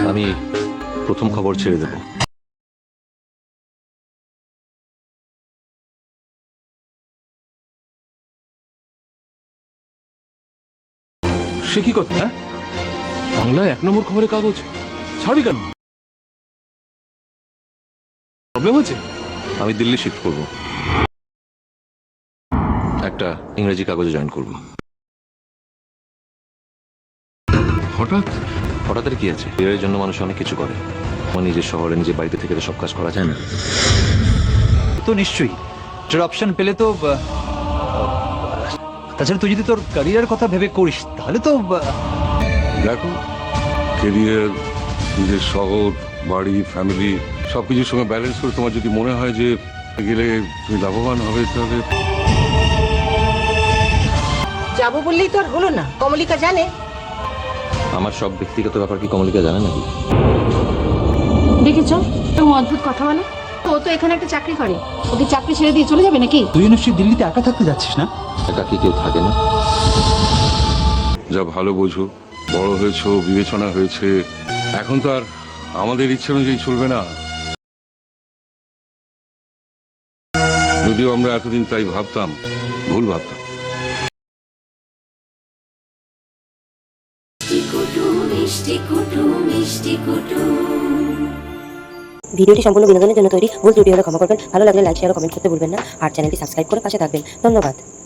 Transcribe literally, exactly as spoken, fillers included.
আমি প্রথম খবর ছেড়ে দেব। সে কি কথা? হ্যাঁ, বাংলায় এক নম্বর খবরের কাগজ ছাড়বি কেন? প্রবলেম হচ্ছে? আমি দিল্লি শিফট করব, একটা ইংরেজি কাগজে জয়েন করব। হঠাৎ? হঠাৎ কি আছে? এর জন্য মানুষ অনেক কিছু করে। আমার নিজের শহরে নিজের বাড়িতে থেকে তো সব কাজ করা যায় না। তো নিশ্চয়ই এটার অপশন পেলে তো আহ, তাছাড়া তুই যদি তোর ক্যারিয়ার কথা ভেবে করিস তাহলে তো আহ, দেখো, কেরিয়ার, নিজের শহর, বাড়ি, ফ্যামিলি সবকিছুর সঙ্গে ব্যালেন্স করে তোমার যদি মনে হয় যে গেলে তুমি লাভবান হবে, তাহলে যাবো বললেই তো আর হলো না। কমলিকা জানে? আমার সব ব্যক্তিগত ব্যাপার কি কমলিকা জানে নাকি? দেখেছ এরকম অদ্ভুত কথা বলে। ও তো এখানে একটা চাকরি করে, ওকে চাকরি ছেড়ে দিয়ে চলে যাবে নাকি? তুই নিশ্চয়ই দিল্লিতে একা থাকতে যাচ্ছিস না? একা কি কেউ থাকে না? যা ভালো বোঝো, বড় হয়েছো, বিবেচনা হয়েছে, এখন তো আর আমাদের ইচ্ছে অনুযায়ী চলবে না। যদিও আমরা এতদিন তাই ভাবতাম, ভুল ভাবতাম। ভিডিওটি সম্পূর্ণ বিনোদনের জন্য তৈরি, ভুল ত্রুটি হলে ক্ষমা করবেন। ভালো লাগলে লাইক, শেয়ার ও কমেন্ট করতে ভুলবেন না। আর চ্যানেলটি সাবস্ক্রাইব করে পাশে থাকবেন। ধন্যবাদ।